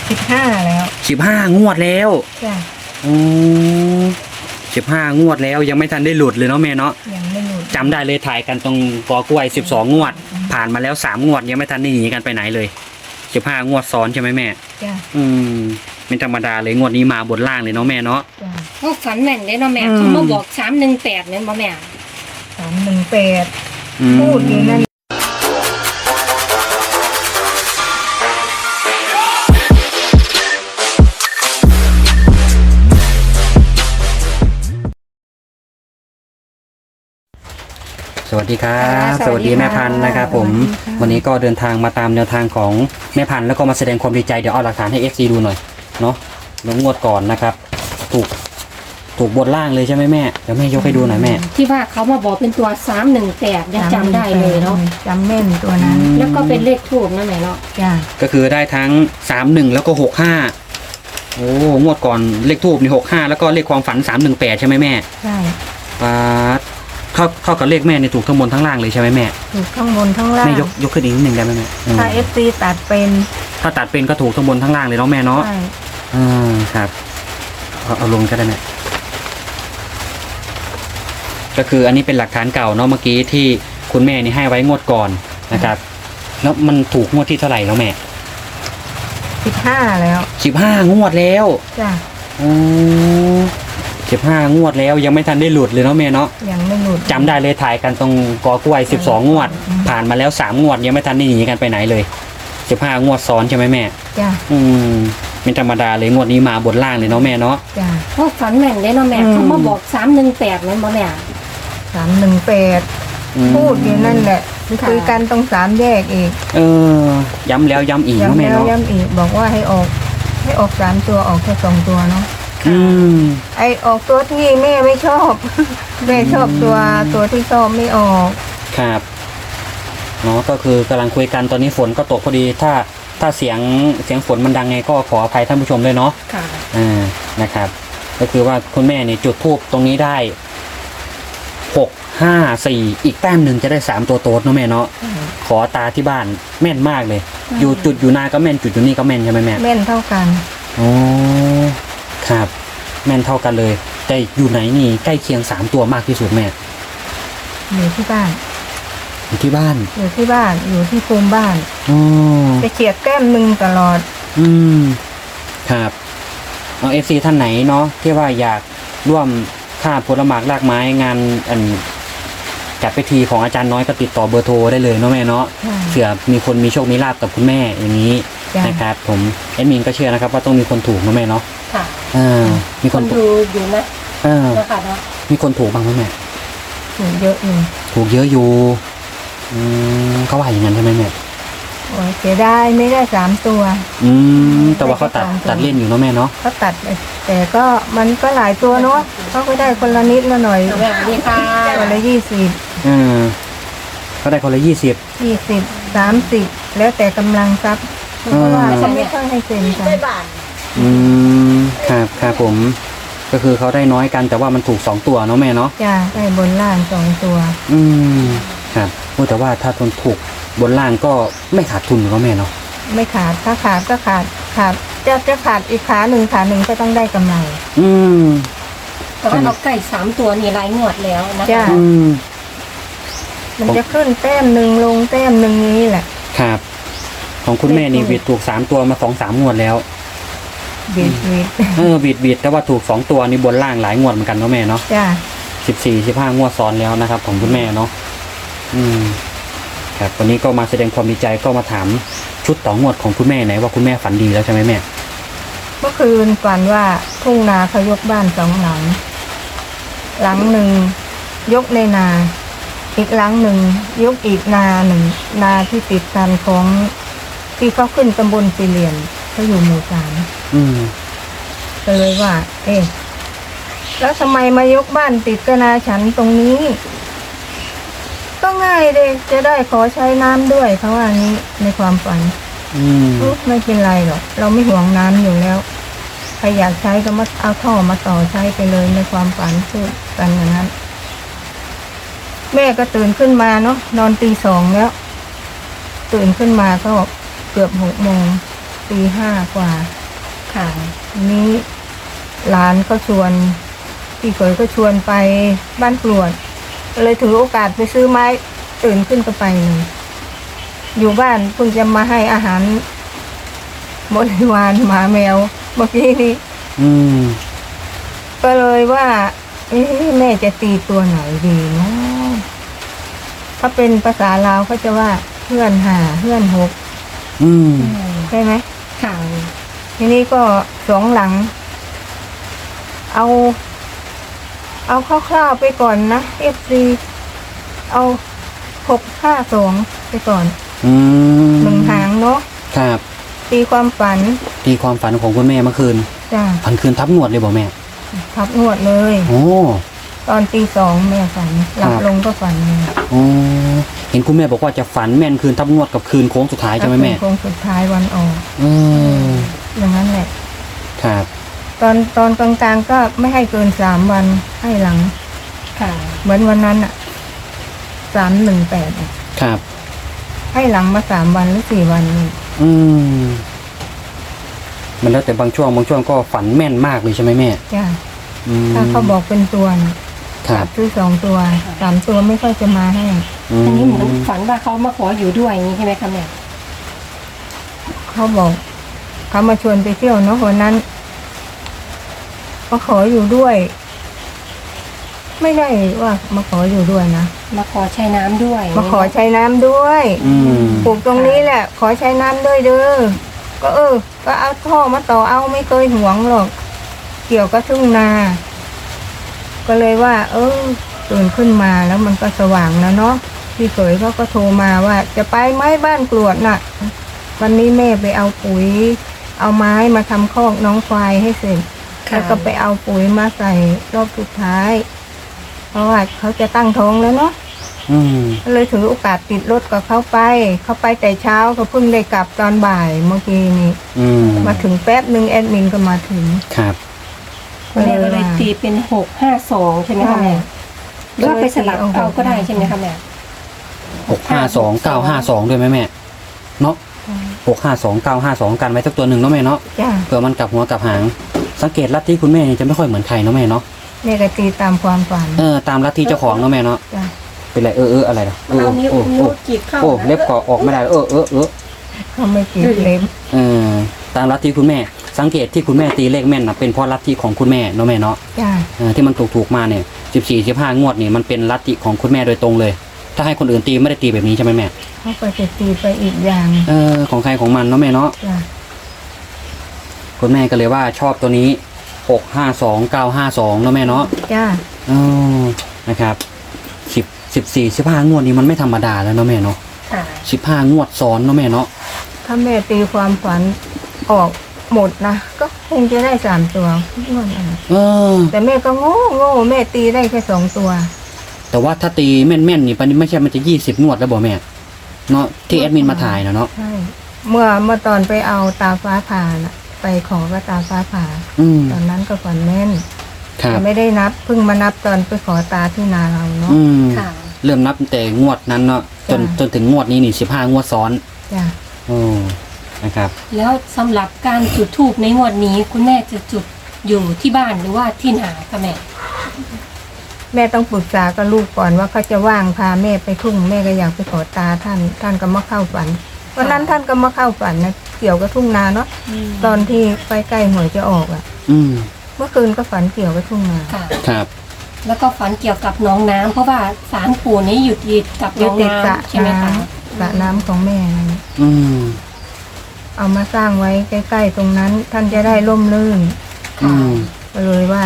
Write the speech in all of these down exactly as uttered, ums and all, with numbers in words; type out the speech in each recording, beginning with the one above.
สิบห้าแล้วสิบห้างวดแล้วจ้ะอืมสิบห้างวดแล้วยังไม่ทันได้หลุดเลยเนาะแม่เนาะยังไม่หลุดจำได้เลยถ่ายกันตรงกอกล้วยสิบสองงวดผ่านมาแล้วสามงวดยังไม่ทันได้หนีกันไปไหนเลยสิบห้างวดซ้อนใช่ไหมแม่จ้ะอืมเป็นธรรมดาเลยงวดนี้มาบนล่างเลยเนาะแม่เนาะจ้ะเขาฝันแม่นเลยเนาะแม่เขามาบอกสามหนึ่งแปดเนี่ยมาแม่สามหนึ่งแปดพูดอยู่นั่นสวัสดีครับสวัสดีแม่พันธุ์นะครับผมวันนี้ก็เดินทางมาตามแนวทางของแม่พันธุ์แล้วก็มาแสดงความดีใจเดี๋ยวเอาหลักฐานให้ เอฟ ซี ดูหน่อยเนาะลงงวดก่อนนะครับถูกถูกบนล่างเลยใช่ไหมแม่เดี๋ยวแม่ยกให้ดูหน่อยแม่ที่ว่าเขามาบอกเป็นตัวสามหนึ่งแปดยังจำได้เลยเนาะจำแม่นตัวนั้นแล้วก็เป็นเลขทูบนั่นแหละเนาะจ้ะก็คือได้ทั้งสามหนึ่งแล้วก็หกห้าโอ้งวดก่อนเลขทูบนี่หกห้าแล้วก็เลขความฝันสามหนึ่งแปดใช่ไหมแม่ใช่อ่าเท่าเท่ากับเลขแม่เนี่ยถูกทั้งบนทั้งล่างเลยใช่ไหมแม่ถูกทั้งบนทั้งล่างแม่ยกยกขึ้นอีกนิดหนึ่งได้ไหมแม่ถ้าเอฟซีตัดเป็นถ้าตัดเป็นก็ถูกทั้งบนทั้งล่างเลยเนาะแม่เนาะใช่อ่าครับเอาเอาลงก็ได้แม่ก็คืออันนี้เป็นหลักฐานเก่าเนาะเมื่อกี้ที่คุณแม่นี่ให้ไว้งวดก่อนนะครับแล้วมันถูกงวดที่เท่าไหร่แล้วแม่สิบห้าแล้วสิบห้างวดแล้วจ้ะอือสิบห้างวดแล้วยังไม่ทันได้หลุดเลยเนาะแม่เนาะยังไม่หลุดจำได้เลยถ่ายกันตรงกอกล้วยสิบสองงวดผ่านมาแล้วสามงวดยังไม่ทันได้หนีกันไปไหนเลยสิบห้างวดซ้อนใช่ไหมแม่จ้ะอืมเป็นธรรมดาเลยงวดนี้มาบนล่างเลยเนาะแม่เนาะจ้ะเขาฝันแม่นเลยเนาะแม่เขามาบอกสามหนึ่งแปดเนี่ยมาแม่สามหนึ่งแปดพูดอยู่นั่นแหละคุยกันตรงสามแยกอีกเออย้ำแล้วย้ำอีกเนาะแม่เนาะย้ำอีกบอกว่าให้ออกให้ออกสามตัวออกแค่สองตัวเนาะอืมไอออกตัวที่แม่ไม่ชอบแม่ชอบตัวตัวที่ชอบไม่ออกครับเนาะก็คือกำลังคุยกันตอนนี้ฝนก็ตกพอดีถ้าถ้าเสียงเสียงฝนมันดังไงก็ขออภัยท่านผู้ชมด้วยเนาะค่ะอ่านะครับก็คือว่าคุณแม่เนี่ยจุดธูปตรงนี้ได้หกห้าสี่อีกแต้มหนึ่งจะได้สามตัวโต๊ดเนาะแม่เนาะขอตาที่บ้านแม่นมากเลยอยู่จุดอยู่นาก็แม่นจุดอยู่นี่ก็แม่นใช่ไหมแม่แม่นเท่ากันอ๋อครับแม่นเท่ากันเลยแต่อยู่ไหนนี่ใกล้เคียงสามตัวมากที่สุดแม่อยู่ที่บ้านอยู่ที่บ้านอยู่ที่บ้านอยู่ที่ภูมิบ้านอ๋อจะเฉียดแต้มหนึ่งตลอดอืมครับเอาเอฟซีท่านไหนเนาะที่ว่าอยากร่วมค่าผลหมากรากไม้งานอันจัดพิธีของอาจารย์น้อยก็ติดต่อเบอร์โทรได้เลยเนาะแม่เนาะเผื่อมีคนมีโชคมีลาภกับคุณแม่อย่างนี้นะครับผมแอดมินก็เชื่อนะครับว่าต้องมีคนถูกนะแม่เนาะค่ะอ่ามีคนดูอยู่นะอ่ามีคนถูกบ้างไหมแม่ถูกเยอะอยู่ถูกเยอะอยู่อืมเขาว่าอย่างนั้นใช่ไหมแม่โอ้ยเสียดายไม่ได้สามตัวอืมแต่ว่าเขาตัดตัดเล่นอยู่เนาะแม่เนาะเขาตัดแต่ก็มันก็หลายตัวเนาะเขาก็ได้คนละนิดละหน่อยนี่ค่ะคนละยี่สิบอืมเขาได้คนละยี่สิบยี่สิบสามสิบแล้วแต่กำลังทรัพย์เพราะว่าเขาไม่ค่อยให้เซ็นกันอืมครับครับผมก็คือเขาได้น้อยกันแต่ว่ามันถูกสองตัวเนาะแม่เนาะจ้าได้บนล่างสองตัวอืมครับแต่ว่าถ้าทนถูกบนล่างก็ไม่ขาดทุนเนาะแม่เนาะไม่ขาดถ้าขาดก็ขาดขาดจะจะขาดอีกขาหนึ่งขาหนึ่งก็ต้องได้กำไรอืมแต่ว่าเราใกล้สามตัวนี่รายงวดแล้วนะคะจ้ามันจะขึ้นแต้มหนึ่งลงแต้มหนึ่งนี้แหละครับของคุณแม่นี่บิดถูกสามตัวมาสองสามงวดแล้วบิดบิดเออบิดบิดแต่ว่าถูกสองตัวนี่บนล่างหลายงวดเหมือนกันเนาะแม่เนาะจ้าสิบสี่สิบห้างวดซ้อนแล้วนะครับของคุณแม่เนาะอืมครับวันนี้ก็มาแสดงความดีใจก็มาถามชุดต่องวดของคุณแม่ไหนว่าคุณแม่ฝันดีแล้วใช่ไหมแม่เมื่อคืนฝันว่าทุ่งนาเขายกบ้านสองหลังหลังหนึ่งยกในนาอีกหลังหนึ่งยกอีกนาหนึ่งนาที่ติดกันของที่เขาขึ้นตำบลสี่เหลี่ยมเขาอยู่หมู่สามอืมก็เลยว่าเอ๊ะแล้วทำไมมายกบ้านติดกับนาฉันตรงนี้ก็ง่ายเลยจะได้ขอใช้น้ำด้วยเขาว่างี้ในความฝันอืมไม่เป็นไรหรอกเราไม่ห่วงน้ำอยู่แล้วใครอยากใช้ก็มาเอาท่อมาต่อใช้ไปเลยในความฝันพูดกันอย่างนั้นแม่ก็ตื่นขึ้นมาเนาะนอนตีสองแล้วตื่นขึ้นมาก็เกือบหกโมงตีห้ากว่าค่ะทีนี้หลานก็ชวนพี่เขยก็ชวนไปบ้านกรวดก็เลยถือโอกาสไปซื้อไม้ตื่นขึ้นก็ไปเลยอยู่บ้านเพิ่งจะมาให้อาหารบริวารหมาแมวเมื่อกี้นี้อืมก็เลยว่า เอ๊ะแม่จะตีตัวไหนดีเนาะถ้าเป็นภาษาลาวเขาจะว่าเพื่อนหาเพื่อนหกอืมใช่ไหมค่ะทีนี้ก็สองหลัง เอา เอาคร่าวๆไปก่อนนะเอฟซีเอาหกห้าสองไปก่อนอืมหนึ่งหางเนาะครับตีความฝันตีความฝันของคุณแม่เมื่อคืนจ้ะฝันคืนทับงวดเลยบอกแม่ทับงวดเลยโอ้ตอนตีสองแม่ฝันหลับครับลงก็ฝันเลยโอ้เห็นคุณแม่บอกว่าจะฝันแม่นคืนทับงวดกับคืนโค้งสุดท้ายใช่ไหมแม่โค้งสุดท้ายวันออกอืมอย่างนั้นแหละครับตอนตอนกลางๆก็ไม่ให้เกินสามวันให้หลังค่ะเหมือนวันนั้นอ่ะสามหนึ่งแปดครับให้หลังมาสามวันหรือสี่วันนี่อืมมันแล้วแต่บางช่วงบางช่วงก็ฝันแม่นมากเลยใช่ไหมแม่จ้ะอืมถ้าเขาบอกเป็นตัวน่ะครับซื้อสองตัวสามตัวไม่ค่อยจะมาให้อันนี้เหมือนฝันว่าเขามาขออยู่ด้วยอย่างนี้ใช่ไหมคะแม่เขาบอกเขามาชวนไปเที่ยวเนาะวันนั้นมาขออยู่ด้วย ไม่ได้ว่ามาขออยู่ด้วยนะมาขอใช้น้ำด้วยมาขอใช้น้ำด้วยอืมปลูกตรงนี้แหละ ขอใช้น้ำด้วยเด้อก็เออ ก็เอาท่อมาต่อเอาไม่เคยหวงหรอก เกี่ยวกับทุ่งนา ก็เลยว่า เออตื่นขึ้นมาแล้วมันก็สว่างแล้วเนาะพี่เขยเขาก็โทรมาว่า จะไปไหมบ้านกรวดน่ะ วันนี้แม่ไปเอาปุ๋ย เอาไม้มาทำคอกน้องควายให้เสร็จค่ะแล้วก็ไปเอาปุ๋ยมาใส่รอบสุดท้าย เพราะว่าเขาจะตั้งท้องแล้วเนาะอืมก็เลยถือโอกาสติดรถกับเขาไป เขาไปแต่เช้าก็เพิ่งได้กลับตอนบ่ายเมื่อกี้นี้อืมมาถึงแป๊บหนึ่งแอดมินก็มาถึงครับคุณแม่ก็เลยตีเป็นหกห้าสองใช่ไหมคะแม่หรือว่าไปสลับเอาก็ได้ใช่ไหมคะแม่หกห้าสองเก้าห้าสองด้วยไหมแม่ เนาะหกห้าสองเก้าห้าสองกันไว้สักตัวหนึ่งเนาะแม่เนาะจ้าเผื่อมันกลับหัวกลับหาง สังเกตลัทธิคุณแม่นี่จะไม่ค่อยเหมือนใครเนาะแม่เนาะแม่ก็ตีตามความฝันเออตามลัทธิเจ้าของเนาะแม่เนาะจ้าเป็นไรเออเอออะไรล่ะเออเอานิ้วโอ้นิ้วโอ้จีบเข้าโอ้เล็บก็ออกไม่ได้เออเออเออเขาไม่ติดเล็บเออตามลัทธิคุณแม่ สังเกตที่คุณแม่ตีเลขแม่นนะเป็นเพราะลัทธิของคุณแม่เนาะแม่เนาะจ้าเออที่มันถูกถูกๆมาเนี่ยสิบสี่สิบห้างวดนี่มันเป็นลัทธิของคุณแม่โดยตรงเลย ถ้าให้คนอื่นตีไม่ได้ตีแบบนี้ใช่ไหมแม่เขาก็จะตีไปอีกอย่างเออของใครของมันเนาะแม่เนาะจ้าคุณแม่ก็เลยว่าชอบตัวนี้หกห้าสองเก้าห้าสองเนาะแม่เนาะจ้าอ๋อนะครับสิบสิบสี่สิบห้างวดนี้มันไม่ธรรมดาแล้วเนาะแม่เนาะค่ะสิบห้างวดซ้อนเนาะแม่เนาะถ้าแม่ตีความฝันออกหมดนะก็คงจะได้สามตัวม่วนอะไรเออแต่แม่ก็โง่โง่แม่ตีได้แค่สองตัวแต่ว่าถ้าตีแม่นๆนี่ปันนี้ไม่ใช่มันจะยี่สิบงวดแล้วบอกแม่เนาะที่แอดมินมาถ่ายนะเนาะใช่เมื่อเมื่อตอนไปเอาตาฟ้าผ่าน่ะ ไปขอก็ตาฟ้าผ่าอืมตอนนั้นก็ฝันแม่นครับแต่ไม่ได้นับเพิ่งมานับตอนไปขอตาที่นาเราเนาะอืมค่ะเริ่มนับตั้งแต่งวดนั้นเนาะจนจ้ะจนถึงงวดนี้นี่สิบห้างวดซ้อนจ้ะโอ้นะครับแล้วสำหรับการจุดธูปในงวดนี้ คุณแม่จะจุดอยู่ที่บ้านหรือว่าที่นาคะแม่แม่ต้องปรึกษากับลูกก่อนว่าเขาจะว่างพาแม่ไปทุ่งแม่ก็อยากไปขอตาท่าน ท่านก็มาเข้าฝันวันนั้นท่านก็มาเข้าฝันนะเกี่ยวกับทุ่งนาเนาะตอนที่ใกล้ใกล้หวยจะออกอ่ะอืมเมื่อคืนก็ฝันเกี่ยวกับทุ่งนาค่ะครับแล้วก็ฝันเกี่ยวกับน้องน้ำเพราะว่าศาลปู่นี้อยู่ติดกับยึน้ดองติดสระน้ำใช่ไหมน้คะำสระน้ำของแม่นั่นอืมเอามาสร้างไว้ใกล้ๆตรงนั้น ท่านจะได้ร่มรื่นอืมก็เลยว่า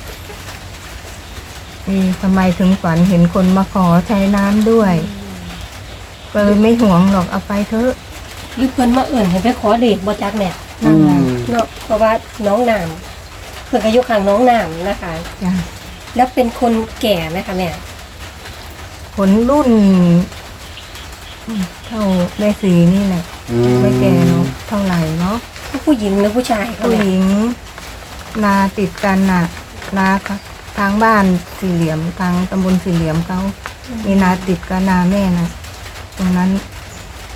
อืมทำไมถึงฝันเห็นคนมาขอใช้น้ำด้วย ก็เลยไม่ห่วงหรอกเอาไปเถอะหรือเพิ่นมาเอิ่นให้ไปขอเดชบ่จักแม่นั่นแหละอืมเนาะเพราะว่าน้องน้ำเพิ่นอายุข้างน้องน้ำนะคะจ้ะแล้วเป็นคนแก่ไหมคะแม่ผลรุ่นอืมเท่าแม่สีนี่แหละอืมไม่แก่เนาะเท่าไหร่เนาะผู้หญิงหรือผู้ชายคะผู้แม่หญิง นาติดกันน่ะ นาค่ะทางบ้านสี่เหลี่ยมทางตำบลสี่เหลี่ยมเขามีนาติดกับนาแม่นะตรงนั้น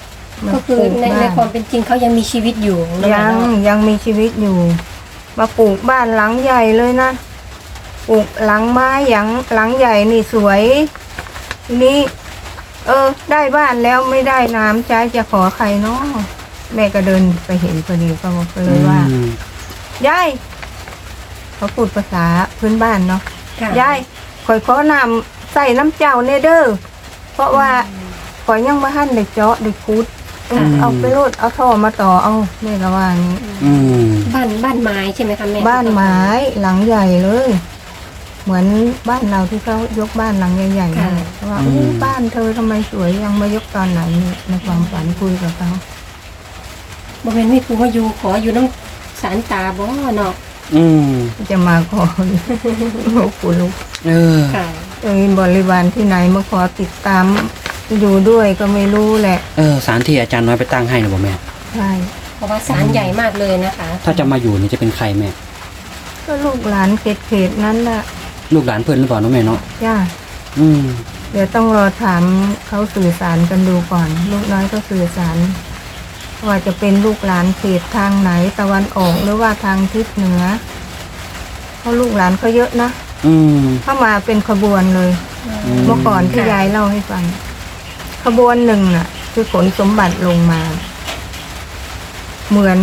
มาก็คือปลูในบ้ในความเป็นจริงเขายังมีชีวิตอยู่นะยังแม่เนาะยังมีชีวิตอยู่ มาปลูกบ้านหลังใหญ่เลยนะปลูกหลังไม้หลังหลังใหญ่นี่สวยทีนี้ เออ ได้บ้านแล้วไม่ได้น้ำใช้จะขอใครเนาะแม่ก็เดินไปเห็นพอดีก็บอกเลยว่าอืมยายเขาพูดภาษาพื้นบ้านเนาะค่ะยายข่อยขอน้ำใส่น้ำเจ้าเนเด้อเพราะว่าข่อยยังมาหั่นเด็กเจาะเด็กคุดเออเอาไปโลดเอาท่อมาต่อเอาแม่ก็ว่าอย่างนี้อืมบ้านบ้านไม้ใช่ไหมคะแม่บ้านไม้หลังใหญ่เลย เหมือนบ้านเราที่เขายกบ้านหลังใหญ่ๆนั่นแหละว่าอืมอุ๊ยบ้านเธอทำไมสวยยังมายกตอนไหนนี่ในความฝันคุยกับเขาบริเวณมีผู้มาอยู่ขออยู่น้ำสารตาบ่เนาะอืมจะมาขอ โอ้โหลูกเออค่ะเอ้ยบริวารที่ไหนมาขอติดตามอยู่ด้วยก็ไม่รู้แหละเออสารที่อาจารย์น้อยไปตั้งให้นะบ่แม่ใช่เพราะว่าสารใหญ่มากเลยนะคะถ้าจะมาอยู่นี่จะเป็นใครแม่ก็ลูกหลานเขตเขตๆนั้นแหละลูกหลานเพื่อนหรือเปล่าเนาะแม่เนาะจ้าอืมเดี๋ยวต้องรอถามเขาสื่อสารกันดูก่อน ลูกน้อยก็สื่อสาร ว่าจะเป็นลูกหลานเขตทางไหนตะวันออกหรือว่าทางทิศเหนือเพราะลูกหลานเขาเยอะนะอืมเข้ามาเป็นขบวนเลยอืมเมื่อก่อนที่ยายเล่าให้ฟัง ขบวนหนึ่งน่ะ คือขนสมบัติลงมา เหมือน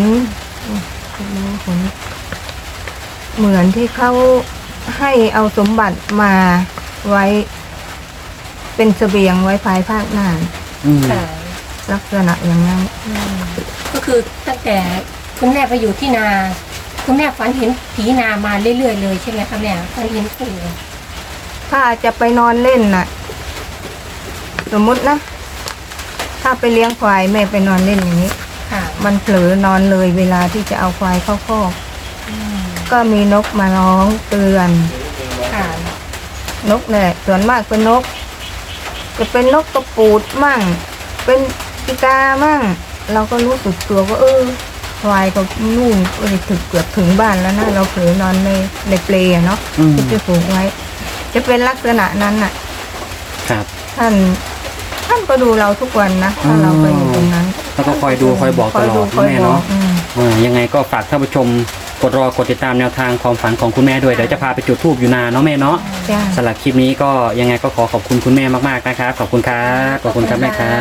เหมือนที่เขาให้เอาสมบัติมาไว้ เป็นเสบียงไว้ภายภาคหน้าอืมค่ะลักษณะอย่างนั้นก็คือตั้งแต่คุณแม่ไปอยู่ที่นา คุณแม่ฝันเห็นผีนามาเรื่อยๆเลยใช่ไหมคะแม่ฝันเห็นผีถ้าจะไปนอนเล่นน่ะ สมมุตินะ ถ้าไปเลี้ยงควายแม่ไปนอนเล่นอย่างนี้ค่ะมันเผลอนอนเลยเวลาที่จะเอาควายเข้าคอกก็มีนกมาร้องเตือนค่ะนกเนี่ยส่วนมากเป็นนก จะเป็นนกกระปูดมั่ง เป็นปีกามั่ง เราก็รู้สึกตัวว่าเออควายก็นู่นเออถึงเกือบถึงบ้านแล้วนะเราเผลอนอนในในเปลอะเนาะอืมที่จะผูกไว้ จะเป็นลักษณะนั้นน่ะครับท่านท่านก็ดูเราทุกวันนะถ้าเราไปอยู่ตรงนั้นแล้วก็คอยดูคอยบอกตลอดคอยแม่บอเนาะกอืมเออยังไงก็ฝากท่านผู้ชมกดรอกดติดตามแนวทางความฝันของคุณแม่ด้วยเดี๋ยวจะพาไปจุดธูปอยู่นาเนาะแม่เนาะจ้าสำหรับคลิปนี้ก็ยังไงก็ขอขอบคุณคุณแม่มากๆนะครับขอบคุณครับขอบคุณครับแม่ครับ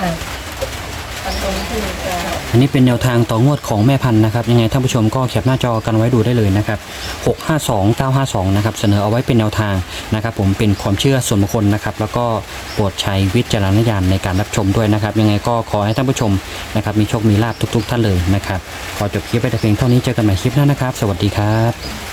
อันนี้เป็นแนวทางต่องวดของแม่พันธุ์นะครับยังไงท่านผู้ชมก็แคปหน้าจอกันไว้ดูได้เลยนะครับหกห้าสอง เก้าห้าสองนะครับเสนอเอาไว้เป็นแนวทางนะครับผมเป็นความเชื่อส่วนบุคคลนะครับแล้วก็โปรดใช้วิจารณญาณในการรับชมด้วยนะครับยังไงก็ขอให้ท่านผู้ชมนะครับมีโชคมีลาภทุก ๆ ท่านเลยนะครับขอจบคลิปไปแต่เพียงเท่านี้เจอกันใหม่คลิปหน้านะครับ สวัสดีครับ